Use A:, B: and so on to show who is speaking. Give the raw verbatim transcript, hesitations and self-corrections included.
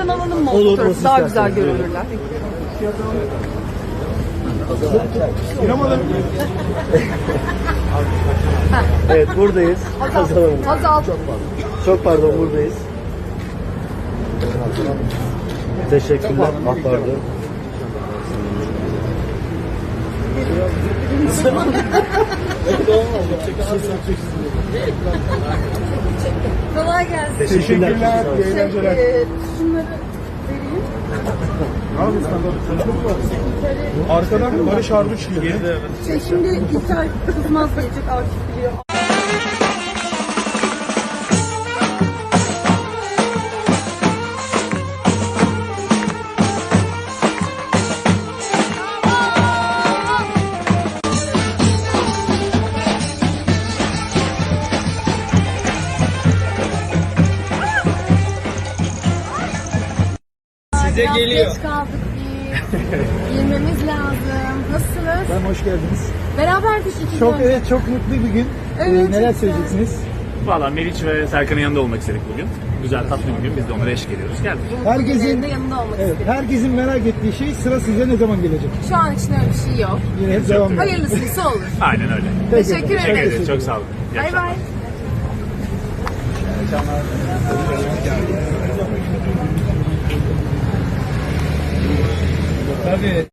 A: Şuradan alalım mı?
B: Olur,
A: Oturup
B: olsun
A: daha
B: isterseniz.
A: güzel görünürler.
B: İrem Hanım. Evet, buradayız. Hazal Hanım.
A: Hazal.
B: Çok pardon, buradayız. Teşekkürler. Ah, pardon.
A: Kolay gelsin.
B: Teşekkürler.
A: Şey, e, şunları vereyim.
C: Arkadan Barış Arduç geliyor.
A: Şey, şimdi İlker Kızmaz gelecek, Akif biliyor.
C: Size
D: Biraz
C: geliyor.
D: geç kaldık biz. Girmemiz lazım. Nasılsınız?
B: Ben hoş geldiniz.
D: Beraberdik iki gün
B: Çok
D: önce.
B: evet, çok mutlu bir gün.
D: Evet,
B: Ee, neler
D: çok
B: söyleyeceksiniz?
E: Valla Meriç ve Serkan'ın yanında olmak istedik bugün. Güzel, tatlı bir gün. Biz de onlara eşlik ediyoruz. Geldik.
B: Herkesin
D: Bugünlerin de yanında olmak
B: evet,
D: istedim.
B: herkesin merak ettiği şey, sıra size ne zaman gelecek?
D: Şu an için öyle bir şey yok.
B: Yine hep devam ediyor.
D: Hayırlısıysa olur.
E: Aynen öyle.
B: Peki,
D: Teşekkür
E: Teşekkür
D: ederim.
E: ederiz. Çok sağ olun. İyi
D: Bay
E: akşamlar.
D: bay.
C: Tabii.